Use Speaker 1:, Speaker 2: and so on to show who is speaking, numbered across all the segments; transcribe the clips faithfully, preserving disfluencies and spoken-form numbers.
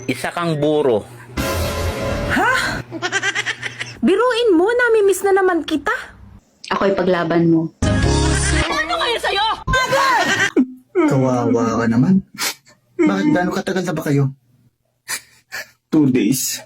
Speaker 1: Isa kang buro.
Speaker 2: Ha? Biruin mo, namimiss na naman kita.
Speaker 3: Ako'y paglaban mo.
Speaker 1: Ano kaya sa'yo?
Speaker 4: Kawawa ka naman. Bakit gaano katagal na ba kayo? Two days.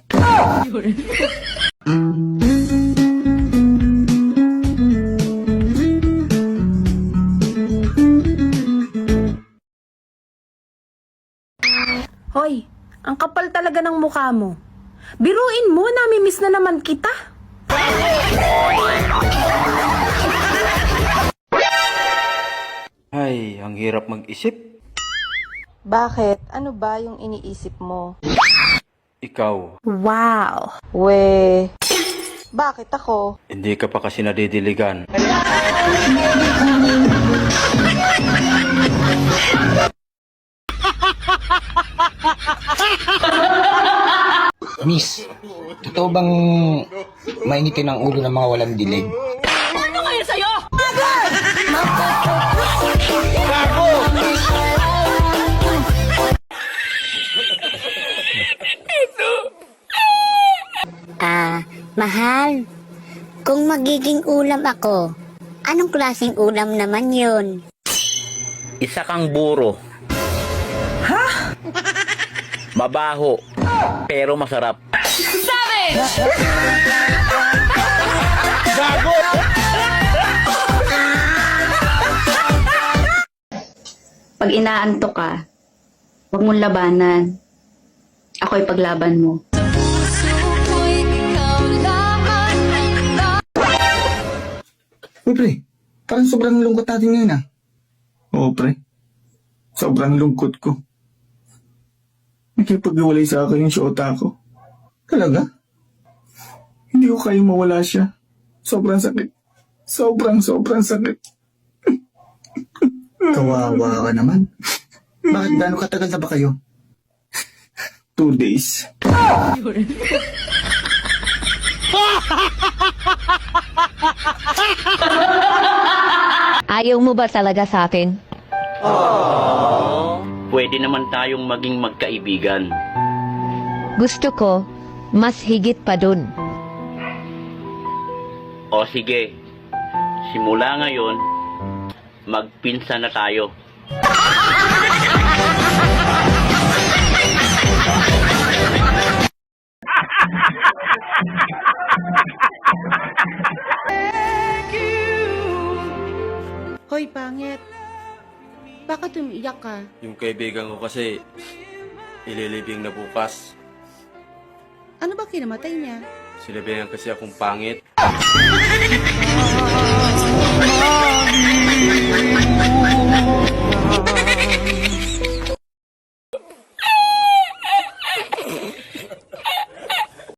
Speaker 2: Hoy, ang kapal talaga ng mukha mo. Biruin mo, namimiss na naman kita.
Speaker 1: Ay, ang hirap mag-isip.
Speaker 5: Bakit? Ano ba yung iniisip mo?
Speaker 1: Ikaw,
Speaker 2: Wow.
Speaker 5: We, bakit ako?
Speaker 1: hindi ka pa kasi nadidiligan.
Speaker 6: Miss, totoo bang mainitin ang ulo ng mga walang dilig?
Speaker 1: Ano kaya sa'yo?
Speaker 7: Ah, mahal. Kung magiging ulam ako, anong klaseng ulam naman yun?
Speaker 1: Isa kang buro.
Speaker 2: Ha?
Speaker 1: Mabaho, pero masarap.
Speaker 3: Pag inaantok ka, huwag mong labanan. Ako'y paglaban mo.
Speaker 4: Uy, pre. Parang sobrang lungkot natin ngayon, ah. Oo, pre. Sobrang lungkot ko. Nakipag-iwalay sa akin yung syota ko. Talaga? Hindi ko kayang mawala siya. Sobrang sakit. Sobrang, sobrang sakit. Kawawa ka naman. Bakit gaano katagal na ba kayo? Two days.
Speaker 8: Ayaw mo ba talaga sa akin?
Speaker 1: Pwede naman tayong maging magkaibigan.
Speaker 8: Gusto ko, mas higit pa dun.
Speaker 1: O sige, simula ngayon, magpinsa na tayo.
Speaker 5: Hoy, pangit. Bakit umiiyak ka?
Speaker 9: Yung kaibigan ko kasi, ililibing na bukas.
Speaker 5: Ano ba kinamatay niya?
Speaker 9: Sinabihan kasi akong pangit.
Speaker 5: Oh,